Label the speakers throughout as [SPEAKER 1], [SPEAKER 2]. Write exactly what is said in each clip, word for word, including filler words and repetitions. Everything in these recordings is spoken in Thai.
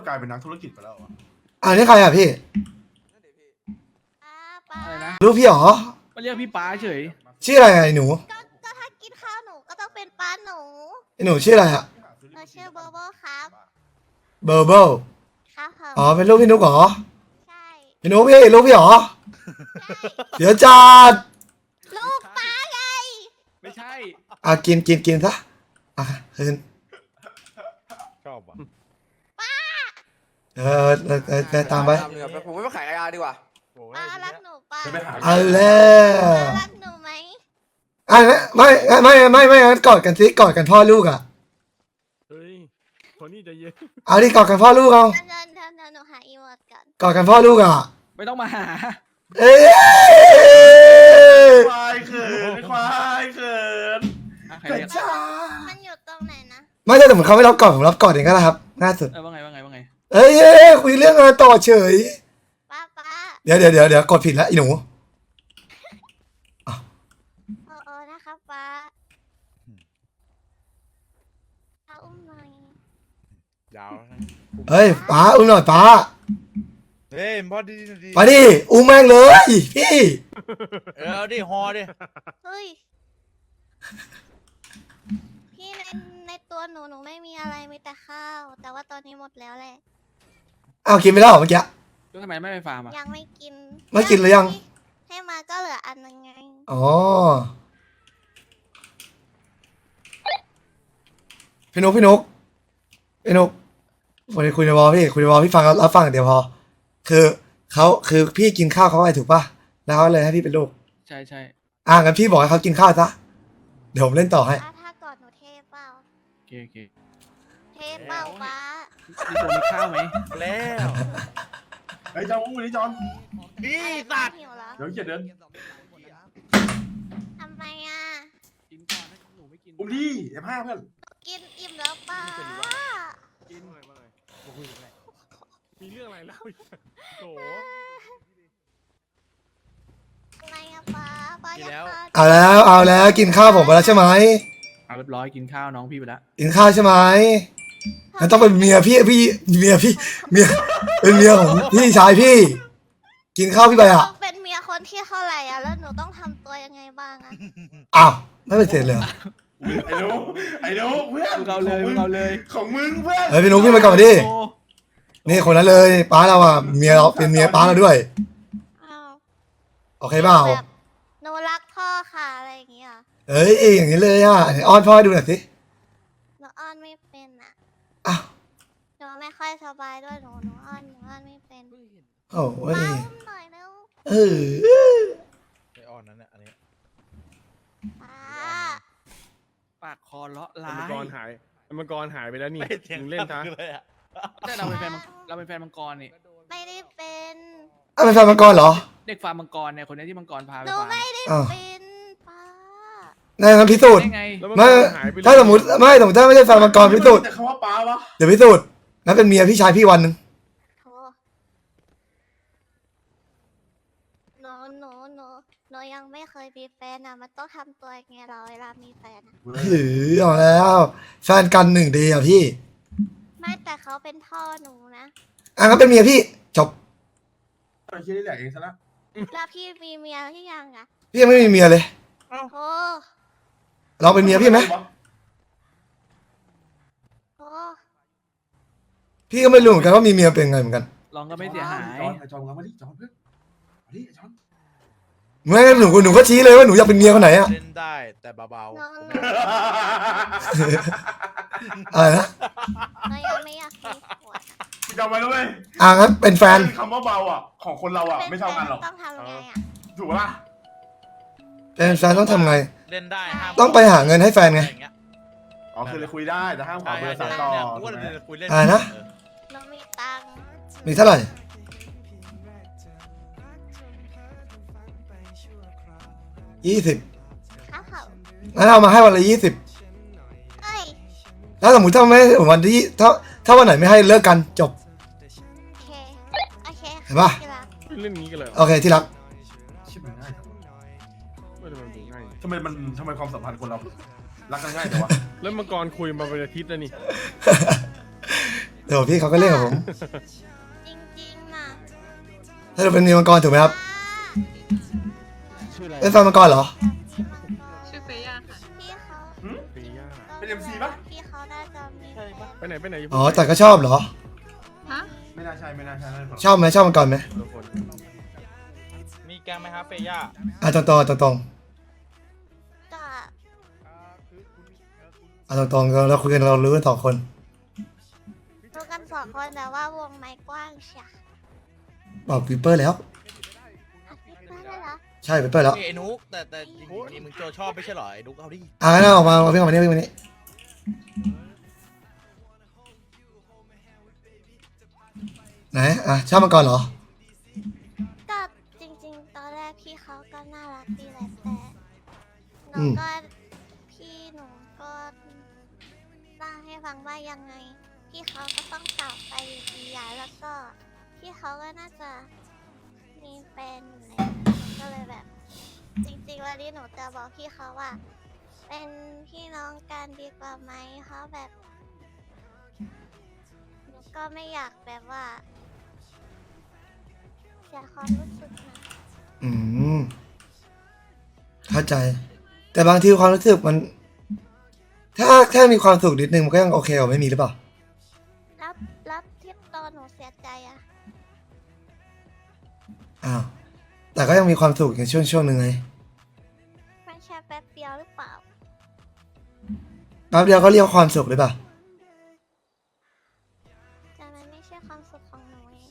[SPEAKER 1] กลายเป็นนักธุรกิจไปแล้วอ่ะ
[SPEAKER 2] อ่านี่ใครอ่ะพี่
[SPEAKER 3] ป้าป้า
[SPEAKER 4] อะไรนะ
[SPEAKER 2] รู้พี่หรอ
[SPEAKER 4] มาเรียกพี่ป้าเฉย
[SPEAKER 2] ชื่ออะไรอ่ะไอ้หนู
[SPEAKER 3] ก็ก็ถ้ากินข้าวหนูก็ต้องเป็นป้าหนู
[SPEAKER 2] ไอ้หนูชื่ออะไรอ่ะ
[SPEAKER 3] หนูชื่อโบโบครับ
[SPEAKER 2] เบอร์เบิล
[SPEAKER 3] ครับผม
[SPEAKER 2] อ๋อเป็นลูกพี่นุกเหรอ
[SPEAKER 3] ใช่
[SPEAKER 2] พี่นุกพี่ลูกพี่หรอ
[SPEAKER 3] ใช่
[SPEAKER 2] เดี๋ยวจัด
[SPEAKER 3] ลูกป้าไง
[SPEAKER 4] ไม่ใช่
[SPEAKER 2] อ่ะกินกินกินซะอ่ะคืน
[SPEAKER 5] ชอบอ่ะ
[SPEAKER 2] เออเออเออเออตามไป
[SPEAKER 6] ตามเลยครับผมไม่มาขายยาดีกว่า
[SPEAKER 3] ป้ารักหนูป้า
[SPEAKER 1] จะไปหา
[SPEAKER 2] เอาแล้ว
[SPEAKER 3] ป้ารักหนูไหม
[SPEAKER 2] อ่ะไม่ไม่ไม่ไม่ไม่งั้นกอดกันสิกอดกันพ่อลูกอ่ะ
[SPEAKER 5] เฮ้ยคนนี้ใจเย็น
[SPEAKER 2] เอาดิกอดกันพ่อลูกเอา
[SPEAKER 3] เดินเดินเดินเดินหนูหาอีโมดก่อน
[SPEAKER 2] กอดกันพ่อลูกอ่ะ
[SPEAKER 4] ไม่ต้องมาหา
[SPEAKER 2] เอ้ย
[SPEAKER 1] ควายเขินควายเขิน
[SPEAKER 4] อ่ะใคร
[SPEAKER 1] แต่
[SPEAKER 4] เรียก
[SPEAKER 1] จ้า
[SPEAKER 3] มันอยู่ตรงไหนนะ
[SPEAKER 2] ไม่ใช่แต่ผมเขาไม่รับกอดผมรับกอดเองก็ได้ครับง่ายสุด
[SPEAKER 4] เออว่าไงว่าไงว่าไง
[SPEAKER 2] เอ้ยเอ้ยคุยเรื่องงานต่อเฉย
[SPEAKER 3] ป้าป้า
[SPEAKER 2] เดี๋ยวเดี๋ยวเดี๋ยวเดี๋ยวกดผิดแล้วไอ้หนู
[SPEAKER 3] โอ้โอ้นะครับป้าป้าอุ้มหน่อย
[SPEAKER 5] ยาวนะ
[SPEAKER 2] เฮ้ยป้าอุ้มหน่อยป้า
[SPEAKER 5] เฮ้ยพอดีดี
[SPEAKER 2] ไปดิอุ้มแม่งเลยพี่
[SPEAKER 5] เออเอาดิฮอดิ
[SPEAKER 3] เฮ้ยพี่ในในตัวหนูหนูไม่มีอะไรมีแต่ข้าว แต่ว่าตอนนี้หมดแล้วแหละ
[SPEAKER 2] อ้าวกินไม่ได้เหรอเมื่อกี้
[SPEAKER 4] แล้วทำไมไม่ไปฟาร์มอ่ะ
[SPEAKER 3] ยังไม่กิน
[SPEAKER 2] ไม่กินหรือยัง
[SPEAKER 3] ให้มาก็เหลืออันนึงไง
[SPEAKER 2] อ๋อพี่นุกพี่นุกพี่นุกวันนี้คุยในวอลพี่คุยในวอลพี่ฟังรับฟังอย่างเดียวพอ คือเขาคือพี่กินข้าวเขาไปถูกป่ะแล้วเขาเลยให้พี่เป็นลูก
[SPEAKER 4] ใช่ใช่
[SPEAKER 2] อ่างั้นพี่บอกให้เขากินข้าวซะเดี๋ยวผมเล่นต่อให้
[SPEAKER 3] ถ้าถ้ากอดหนูเทเปล่า
[SPEAKER 4] โอเคโอเค
[SPEAKER 3] เทเปล่าป้า
[SPEAKER 4] มีตัวมีข้าวไหม
[SPEAKER 5] แล้ว
[SPEAKER 1] ไอ้ยจอนอุ้มวันนี้จอน
[SPEAKER 5] พี่
[SPEAKER 3] ป้า
[SPEAKER 5] สัตว์
[SPEAKER 3] หิวเหรอ
[SPEAKER 1] เดี๋ยวเกียดเดิน
[SPEAKER 3] ทำไมอ่ะ
[SPEAKER 4] กินก่อนถ้าหนูไม่กิน
[SPEAKER 1] อุ้มดิเอฟห้าเพื่อน
[SPEAKER 3] กินอิ่มแล้วป้า
[SPEAKER 4] กิน
[SPEAKER 5] มีเรื่องอะไรเล่าโถ
[SPEAKER 3] อะไรอะป้าป้าอยากทาน
[SPEAKER 2] เอาแล้วเอาแล้วกินข้าวผมไปแล้วใช่ไหม
[SPEAKER 4] เอาเรียบร้อยกินข้าวน้องพี่ไปแล้ว
[SPEAKER 2] กินข้าวใช่ไหมงั้นต้องเป็นเมียพี่พี่เมียพี่เมียเป็นเมียของพี่ชายพี่ กินข้าวพี่ไปอ่ะ
[SPEAKER 3] ต้องเป็นเมียคนที่เท่าไหร่อ่ะแล้วหนูต้องทำตัวยังไงบ้างอ่ะ
[SPEAKER 2] อ้าวไม่เป็นเสร็จเลยเหรอ
[SPEAKER 1] ไอ้นุ๊กไอ้นุ๊กเพื่อน
[SPEAKER 4] มึงเอาเลยมึงเอาเลย
[SPEAKER 1] ของมึงเพื่อน
[SPEAKER 2] เฮ้ยพี่นุ๊กพี่มาก่อนดิ
[SPEAKER 4] โอ้
[SPEAKER 2] นี่คนนั้นเลยป้าเราอ่ะเมียเราเป็นเมียป้าเราด้วย
[SPEAKER 3] อ้าว
[SPEAKER 2] โอเคเปล่า
[SPEAKER 3] แบบหนูรักพ่อค่ะอะไรอย่างเงี้ย
[SPEAKER 2] เอ้ยอย่างนี้เลยอ่ะไหนอ้อนพ่อให้ดูหน่อยสิ
[SPEAKER 3] หนูอ้อนไม่เป็นอ่ะ
[SPEAKER 2] อ้าว
[SPEAKER 3] หนูไม่ค่อยสบายด้วยหนูหนูอ้อนหนูอ้อนไม่เป็น
[SPEAKER 2] โอ้ย
[SPEAKER 3] ป้าอุ้มหน่อยเร็ว
[SPEAKER 2] เออ
[SPEAKER 5] ไอออนนั้นเนี่ยอันนี้
[SPEAKER 3] ป้า
[SPEAKER 4] ปากคอเลาะ
[SPEAKER 7] ไอ้
[SPEAKER 4] ร้า
[SPEAKER 7] มัง
[SPEAKER 4] ย
[SPEAKER 7] กรหายไอ้มังกรหายไปแล้วนี่
[SPEAKER 5] ไม่เถียง
[SPEAKER 7] มึงเล่นซะ
[SPEAKER 5] เลยอ่ะ
[SPEAKER 4] ใช่เราเป็นแฟนมังเราเป็นแฟนมังกรนี่
[SPEAKER 3] ไม่ได้เป็น
[SPEAKER 2] อ้าวเป็นแฟนมังกรเหรอ
[SPEAKER 4] เด็กฟาร์มมังกรเนี่ยคนนี้ที่มังกรพาไป
[SPEAKER 3] หนู
[SPEAKER 4] ฟาร์ม
[SPEAKER 3] ไม่ได้
[SPEAKER 2] อ้าว
[SPEAKER 3] เป็นป้า
[SPEAKER 2] นั่นงั้นพิสูจน์
[SPEAKER 4] ได้ไง
[SPEAKER 7] แล้วมัง
[SPEAKER 2] ไม่
[SPEAKER 7] กรหายไปเลย
[SPEAKER 2] ถ้าสมมติไม่สมมติถ้าไม่ใช่แฟนมังกรพิสูจน์
[SPEAKER 1] แต่คำว่าป้าวะ
[SPEAKER 2] เดี๋ยวพิสูจน์งั้นเป็นเมียพี่ชายพี่วันหนึ่ง
[SPEAKER 3] โถหนูหนูหนูหนูยังไม่เคยมีแฟนอ่ะมันต้องทำตัวยังไงเราเวลามีแฟนอ่ะ
[SPEAKER 2] หือเอาแล้วแฟนกันหนึ่งเดียวพี่
[SPEAKER 3] ไม่แต่เขาเป็นพ่อหนูนะ
[SPEAKER 2] อ่ะงั้นเป็นเมียพี่จบ
[SPEAKER 1] ไอ้เชี่ยนี่แหละเองซะละ
[SPEAKER 3] แล้วพี่มีเมียหรือยังอ่ะ
[SPEAKER 2] พี่ยังไม่มีเมียเลย
[SPEAKER 3] โอ้
[SPEAKER 2] เราเป็นเมียพี่ไหม
[SPEAKER 3] โอ้
[SPEAKER 2] พี่ก็ไม่รู้เหมือนกันว่ามีเมียเป็นไงเหมือนกัน
[SPEAKER 4] ลองก็ไม่เสียหาย
[SPEAKER 1] จอนไอ้จอนเรามาดิจอนเพื่อนมาดิไอ้จอน
[SPEAKER 2] ไม่หนูหนูก็ชี้เลยว่าหนูอยากเป็นเมียคนไหนอะ
[SPEAKER 5] เล่นได้แต่เบา
[SPEAKER 3] หนู
[SPEAKER 5] ๆ
[SPEAKER 3] หนู
[SPEAKER 2] อะไรนะ
[SPEAKER 3] หนูยังไม่อยากมีผัว
[SPEAKER 1] จำไว้ด้วย
[SPEAKER 2] อ่ะงั้นเป็นแฟน
[SPEAKER 1] คำว่าเบาอ่ะของคนเราอ่ะ
[SPEAKER 3] เป็น
[SPEAKER 1] ไม่
[SPEAKER 3] แฟ
[SPEAKER 1] เท่าน กันหรอก
[SPEAKER 3] ต้องทำไงอ่ะ
[SPEAKER 1] ถูกปะล่ะ
[SPEAKER 2] เป็นแฟนต้องทำไง
[SPEAKER 5] เล่นได้ห้าม
[SPEAKER 2] ต้องไปหาเงินให้แฟนไง
[SPEAKER 5] อะรอย่างเงี้ย
[SPEAKER 1] อ๋อคือเลยคุยได้แต่ห้ามขอ
[SPEAKER 5] ใช่
[SPEAKER 1] เบอร์สาย
[SPEAKER 5] ใช่
[SPEAKER 1] ต่อ
[SPEAKER 5] เนี่ยกู
[SPEAKER 1] ถู
[SPEAKER 5] ก็
[SPEAKER 1] กไหม
[SPEAKER 5] เลยคุยเล่น
[SPEAKER 2] อะไรนะ
[SPEAKER 5] เออ
[SPEAKER 3] หนูมีตังค์
[SPEAKER 2] มีเท่าไหร่ ยี่สิบ
[SPEAKER 3] ข้าวเขา
[SPEAKER 2] งั้นเอามาให้วันละยี่สิบ
[SPEAKER 3] เอ้ย
[SPEAKER 2] แล้วสมมติถ้าไม่วันที่ถ้าถ้าวันไหนไม่ให้เลิกกันจบ
[SPEAKER 3] โอเคโอเค
[SPEAKER 2] เห็นปะ
[SPEAKER 3] ที่รัก
[SPEAKER 7] เล่นอย่างนี้กันเลยเหรอ
[SPEAKER 2] โอเคที่รัก
[SPEAKER 1] ชิบมันง่ายจัง
[SPEAKER 7] ไม่ทำไมมันง่าย
[SPEAKER 1] ทำไมมันทำไมความสัมพันธ์คนเรารักกันง่ายแต่วะ
[SPEAKER 7] แล้วมังกรคุยมาเป็นอาทิตย์แล้วนี่
[SPEAKER 2] เดี๋ยวพี่เขาก็เล่นกับผม
[SPEAKER 3] จริงๆน่ะ
[SPEAKER 2] ถ้าเราเป็นนิวมังกรถูกไหมครับ
[SPEAKER 7] ชื่ออะไร
[SPEAKER 2] เล่นฟันมังกรเหรอ
[SPEAKER 6] ชื่อเฟย่าค่ะ
[SPEAKER 3] พี่เขา
[SPEAKER 7] เฟย่า
[SPEAKER 1] เป็น เอ็ม ซี ปะ
[SPEAKER 3] พี่เขาน่าจะมีแฟน
[SPEAKER 7] ไปไหนไปไหนยู่
[SPEAKER 2] อ๋อแต่ก็ชอบเหรอ
[SPEAKER 6] ฮะ
[SPEAKER 1] ไม่น่าใช่ไม่น่าใช่น่าจะ
[SPEAKER 2] ชอบไหมชอบมังกรไหม
[SPEAKER 7] คนละคน
[SPEAKER 5] มีแกงไหมครับเฟย่า
[SPEAKER 2] อ่ะตรงตรงตรงตรง
[SPEAKER 3] ก็
[SPEAKER 2] อ่ะตรงตรงเราเราคุยกันเรารู้กันสองคน
[SPEAKER 3] รู้กันสองคนแต่ว่าวงไม้กว้างเชีย
[SPEAKER 2] บอกปีเปอร์แล้ว
[SPEAKER 3] อ่ะพี่เพื่อนได้เหรอ
[SPEAKER 2] ใช่ปีเปอร์แล้ว
[SPEAKER 5] เอ้ยไอ้นุกแต่แต่จริงๆนี่มึงโจชอบไม่ใช่เหรอไอ้นุกเอาดิ
[SPEAKER 2] อ่ะงั้นเอาออกมาเอาพี่ออกมานี่พี่ออกมานี่ไหนอ่ะชอบมังกรเหรอ
[SPEAKER 3] ก็จริงๆ ตอนแรกพี่เขาก็น่ารักดีแหละแต่ห
[SPEAKER 2] อื
[SPEAKER 3] นู
[SPEAKER 2] ม
[SPEAKER 3] ก็พี่หนูก็เล่าให้ฟังว่ายังไง พี่เขาก็ต้องกลับไปอยู่ดีอะแล้วก็พี่เขาก็น่าจะมีแฟนอยู่แล้วก็เลยแบบ จริงๆวันนี้หนูจะบอกพี่เขาว่า เป็นพี่น้องกันดีกว่าไหมเขาแบบหนูก็ไม่อยากแบบว่าเสียความรู้สึกนะ
[SPEAKER 2] อืมเข้าใจ แต่บางทีความรู้สึกมัน ถ้าถ้ามีความสุขนิดนึงมันก็ยังโอเคกว่าไม่มีหรือเปล่า
[SPEAKER 3] แล้วแล้วที่ตอนหนูเสียใจอะ
[SPEAKER 2] อ้าวแต่ก็ยังมีความสุขในช่วงช่วงหนึ่งไง
[SPEAKER 3] มันแค่แป๊บเดียวหรือเปล่า
[SPEAKER 2] แป๊บเดียวก็เรียกว่าความสุขหรือเปล่า
[SPEAKER 3] แต่มันไม่ใช่ความสุขของหนูเอง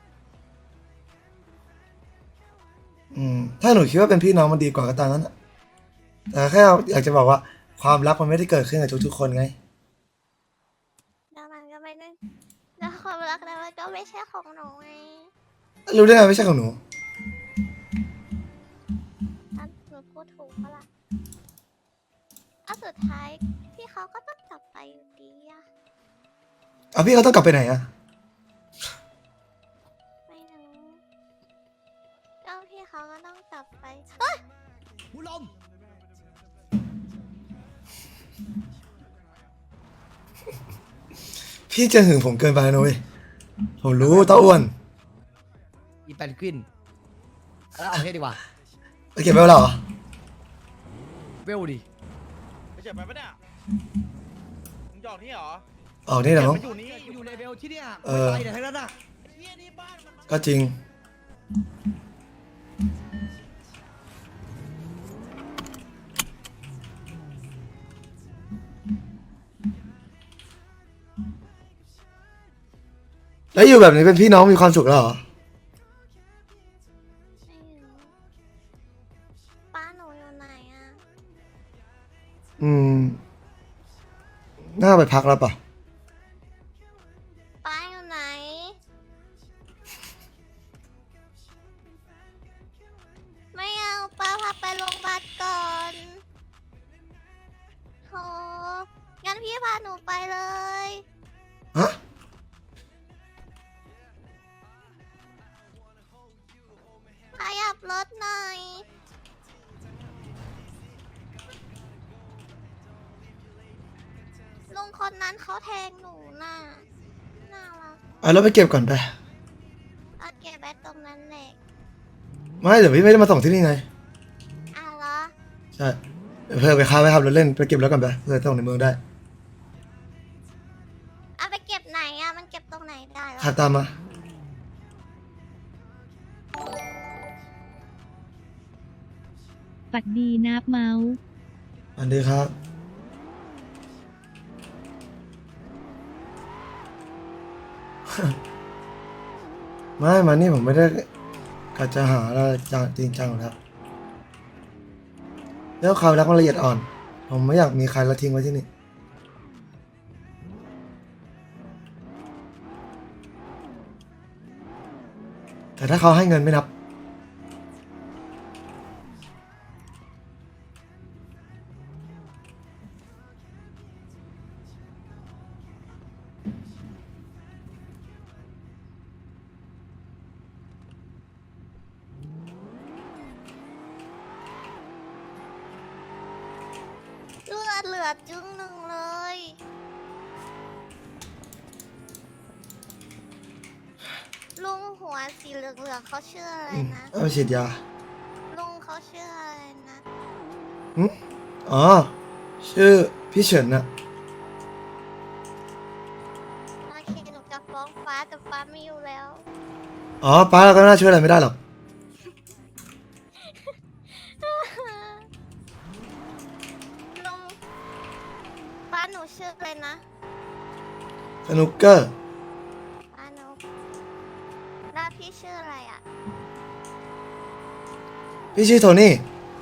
[SPEAKER 2] อืมถ้าหนูคิดว่าเป็นพี่น้องมันดีกว่าก็ตามนั้นอะแต่แค่อยากจะบอกว่าความรักมันไม่ได้เกิดขึ้นกับทุกๆคนไง
[SPEAKER 3] แล้วมันก็ไม่ได้แล้วความรักนั้นมันก็ไม่ใช่ของหนูไง
[SPEAKER 2] รู้ได้ไงไม่ใช่ของหนู
[SPEAKER 3] ถ้าหนูพูดถูกปะล่ะอ่ะสุดท้ายพี่เขาก็ต้องกลับไปอยู่ดีอะ
[SPEAKER 2] อ่ะพี่เขาต้องกลับไปไหนอะ
[SPEAKER 3] ไม่รู้ก็พี่เขาก็ต้องกลับไปเฮ้ย
[SPEAKER 2] พี่จะหึงผมเกินไปนะเว้ยผมรู้เต้าอ้วน
[SPEAKER 8] อีแปนกวินแล้วเอาเทศดีกว่า
[SPEAKER 2] ไปเก็บไว้แล้วเหรอ
[SPEAKER 8] เวลดิ
[SPEAKER 5] ไม่ใช่ไปปะเนี่ยมึงหยอกนี่เหรอ
[SPEAKER 2] ออกนี่เหรอ
[SPEAKER 5] เก็บ
[SPEAKER 2] มั้ง
[SPEAKER 5] มันอยู่นี่
[SPEAKER 8] อยู่ในเวลที่เนี่ย
[SPEAKER 2] เออ
[SPEAKER 8] ไปไหนทั้งนั้นอ่ะ
[SPEAKER 5] เฮียนี่บ้านมัน
[SPEAKER 2] ก็จริง แล้วอยู่แบบนี้เป็นพี่น้องมีความสุขแล้วเหรอ
[SPEAKER 3] ไม่รู้ป้าหนูอยู่ไหนอะ
[SPEAKER 2] อืม น่าไปพักแล้วป่ะ
[SPEAKER 3] ป้าอยู่ไหน ไม่เอาป้าพาไปโรงพยาบาลก่อนโหงั้นพี่พาหนูไปเลย
[SPEAKER 2] ฮะ
[SPEAKER 3] ขยับรถหน่อย ลุงคนนั้นเขาแทงหนูน่ะ น่ารัก
[SPEAKER 2] เอาแล้วไปเก็บก่อนไป
[SPEAKER 3] เอาเก็บไว้ตรงนั้นแหละ
[SPEAKER 2] ไม่เดี๋ยวพี่ไม่ได้มาส่งที่นี่ไง
[SPEAKER 3] อ่ะเหรอ
[SPEAKER 2] ใช่ เดี๋ยวเพื่อไปค้าไปขับรถเล่นไปเก็บรถก่อนไปเพื่อส่งในเมืองได้
[SPEAKER 3] เอาไปเก็บไหนอะมันเก็บตรงไหนได้เหรอ
[SPEAKER 2] ขับตามมา
[SPEAKER 9] ปัดดีนับเมาส์
[SPEAKER 2] อันดีครับ ไม่มานี่ผมไม่ได้กะจะหาอะไรจังจริงจังหรอกครับแล้วความรักมันละเอียดอ่อน ผมไม่อยากมีใครละทิ้งไว้ที่นี่ แต่ถ้าเขาให้เงินไม่นับ
[SPEAKER 3] เลือดเหลือจึงหนึ่งเลยวสีเหลืองๆเขาชื่ออะไร
[SPEAKER 2] อืม
[SPEAKER 3] นะ
[SPEAKER 2] เอาไปฉีดยา
[SPEAKER 3] ลุงเขาชื่ออะไรนะ
[SPEAKER 2] หึอ๋อ ชื่อพี่เฉินอะ
[SPEAKER 3] โอเคหนูจะฟ้องฟ้าแต่ฟ้าไม่อยู่แล้ว
[SPEAKER 2] อ๋อป้าเราก็น่าช่วยอะไรไม่ได้หรอก
[SPEAKER 3] ลุงฟ้าหนูชื่ออะไรนะ
[SPEAKER 2] สนุกเกอร์
[SPEAKER 3] ฟ้าหนูแล้วพี่ชื่ออะไรอ่ะ
[SPEAKER 2] พี่ชื่อโทนี่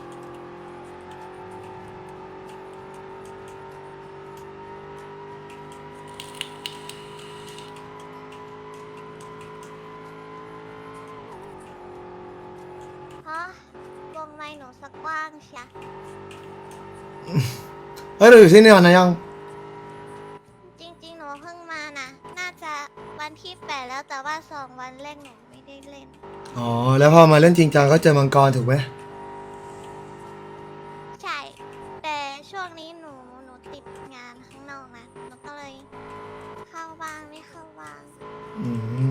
[SPEAKER 3] ฮะวงในหนูสักกว้างเชีย
[SPEAKER 2] เฮ้ยเราอยู่ที่นี่วันนะยัง
[SPEAKER 3] จริงๆหนูเพิ่งมานะน่าจะวันที่แปดแล้วแต่ว่าสองวันแรกหนูไม่ได้เล่น
[SPEAKER 2] อ๋อ แล้วพอมาเล่นจริงจังก็เจอมังกรถูกไหม
[SPEAKER 3] ใช่ แต่ช่วงนี้หนูหนูติดงานข้างนอกนะหนูก็เลยเข้าบ้างไม่เข้าบ้าง
[SPEAKER 2] อืม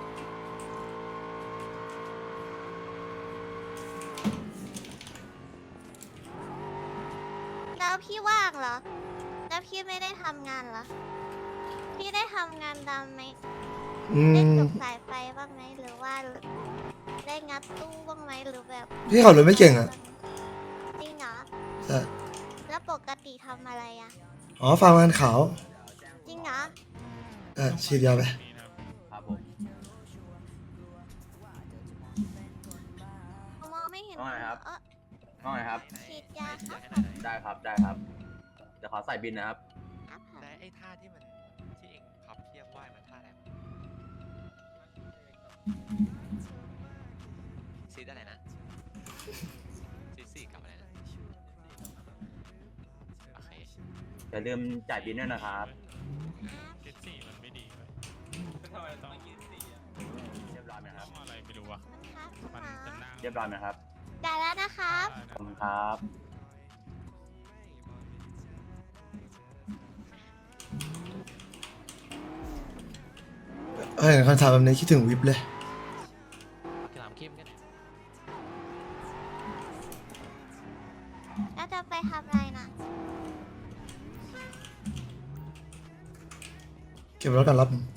[SPEAKER 3] แล้วพี่ว่างเหรอ แล้วพี่ไม่ได้ทำงานเหรอ พี่ได้ทำงานดำไหม
[SPEAKER 2] อื
[SPEAKER 3] ได้
[SPEAKER 2] ม
[SPEAKER 3] ตกสายไฟบ้างไหมหรือว่าได้งัดตู้บ้างไหมหรือแบบ
[SPEAKER 2] พี่ขับรถไม่เก่งอะ
[SPEAKER 3] จริงเหรอ
[SPEAKER 2] ใช่
[SPEAKER 3] แล้วปกติทำอะไรอะ
[SPEAKER 2] อ๋อฟาร์มงานขาว
[SPEAKER 3] จริงเหรอ
[SPEAKER 2] เออฉีดยาไป
[SPEAKER 5] ครับผม
[SPEAKER 3] มองไม่เห็น
[SPEAKER 5] ว่าไงครับ
[SPEAKER 3] เออ
[SPEAKER 5] ว่าไงครับ
[SPEAKER 3] ฉีดยาครับ
[SPEAKER 5] ได้ครับ ได้ครับ เดี๋ยวขอใส่บินนะครับ
[SPEAKER 3] ครับผม
[SPEAKER 9] และไอ้ท่าที่มันที่เองพับเทียบไหวมันท่าอะไรวะซีดอะไรนะซีดสี่กับอะไรนะโอเค
[SPEAKER 5] อย่าลืมจ่ายบินด้วยนะครับ
[SPEAKER 7] คิดสี่มันไม่ดีไหม
[SPEAKER 5] เรียบร้อยไหมครับ
[SPEAKER 7] อะไรไม่รู้อ่ะ
[SPEAKER 3] ครับ
[SPEAKER 7] มันจะนั่ง
[SPEAKER 5] เรียบร้อยไหมครับ
[SPEAKER 3] ได้แล้วนะครับ
[SPEAKER 5] ขอบคุณครับ
[SPEAKER 2] เฮ้ยคำถามแบบนี้คิดถึงวิบเลย
[SPEAKER 9] ถามเข้มกัน
[SPEAKER 3] แล้วจะไปทำอะไรนะ
[SPEAKER 2] เก็บรถกันรับหนึ่ง